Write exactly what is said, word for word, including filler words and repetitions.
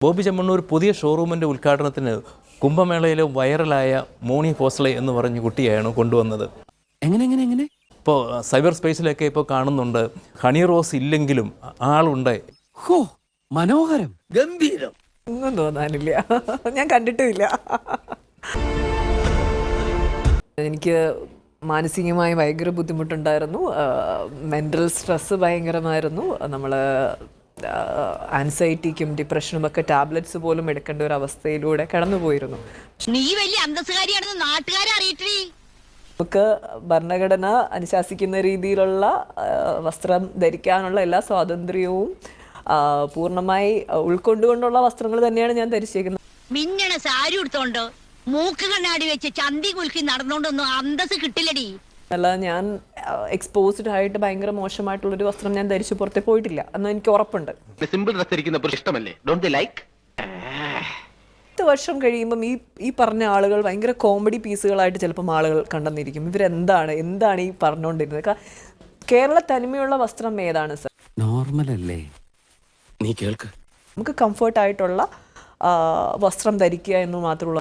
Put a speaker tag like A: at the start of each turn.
A: ബോബി ചെമ്മണ്ണൂർ പുതിയ ഷോറൂമിൻ്റെ ഉദ്ഘാടനത്തിന് കുംഭമേളയിലെ വൈറലായ മോണി ഫോസ്ലെ എന്ന് പറഞ്ഞ കുട്ടിയെയാണ് കൊണ്ടുവന്നത്.
B: എങ്ങനെ എങ്ങനെ എങ്ങനെ
A: ഇപ്പോൾ സൈബർ സ്പേസിലൊക്കെ ഇപ്പോൾ കാണുന്നുണ്ട്, ഹണി റോസ് ഇല്ലെങ്കിലും ആളുണ്ട്.
B: ഹോ, മനോഹരം,
C: ഗംഭീരം.
D: ഒന്നും തോന്നാനില്ല, ഞാൻ കണ്ടിട്ടുമില്ല. എനിക്ക് മാനസികമായി ഭയങ്കര ബുദ്ധിമുട്ടുണ്ടായിരുന്നു, മെൻ്റൽ സ്ട്രെസ്സ് ഭയങ്കരമായിരുന്നു. നമ്മൾ ആൻസൈറ്റിക്കും ഡിപ്രഷനും ഒക്കെ ടാബ്ലറ്റ്സ് പോലും എടുക്കേണ്ട ഒരു അവസ്ഥയിലൂടെ കടന്നുപോയിരുന്നു.
E: നീ വലിയ അന്തസ്സുകാരിയാണെന്ന് നാട്ടുകാരെ അറിയിട്ടേ.
D: നമുക്ക് ഭരണഘടന അനുശാസിക്കുന്ന രീതിയിലുള്ള വസ്ത്രം ധരിക്കാനുള്ള എല്ലാ സ്വാതന്ത്ര്യവും പൂർണ്ണമായി ഉൾക്കൊണ്ടുകൊണ്ടുള്ള വസ്ത്രങ്ങൾ തന്നെയാണ് ഞാൻ ധരിച്ചേക്കുന്നത്.
E: മിന്നണ സാരി എടുത്തോണ്ട് മൂക്ക് കണ്ണാടി വെച്ച് ചന്തി കുലുക്കി നടന്നോണ്ടൊന്നും അന്തസ് കിട്ടില്ലടി.
D: അല്ല, ഞാൻ എക്സ്പോസ്ഡ് ആയിട്ട് ഭയങ്കര മോശമായിട്ടുള്ളൊരു വസ്ത്രം ഞാൻ ധരിച്ചു പുറത്തെ പോയിട്ടില്ല എന്ന് എനിക്ക് ഉറപ്പുണ്ട്. പത്ത് വർഷം കഴിയുമ്പം ഈ ഈ പറഞ്ഞ ആളുകൾ ഭയങ്കര കോമഡി പീസുകളായിട്ട് ചിലപ്പം ആളുകൾ കണ്ടെന്നിരിക്കും. ഇവരെന്താണ് എന്താണ് ഈ പറഞ്ഞുകൊണ്ടിരുന്നത്? കേരള തനിമയുള്ള വസ്ത്രം ഏതാണ് സർ?
B: നോർമൽ അല്ലേ? നീ കേൾക്ക്.
D: നമുക്ക് കംഫർട്ടായിട്ടുള്ള വസ്ത്രം ധരിക്കുക എന്ന് മാത്രമുള്ള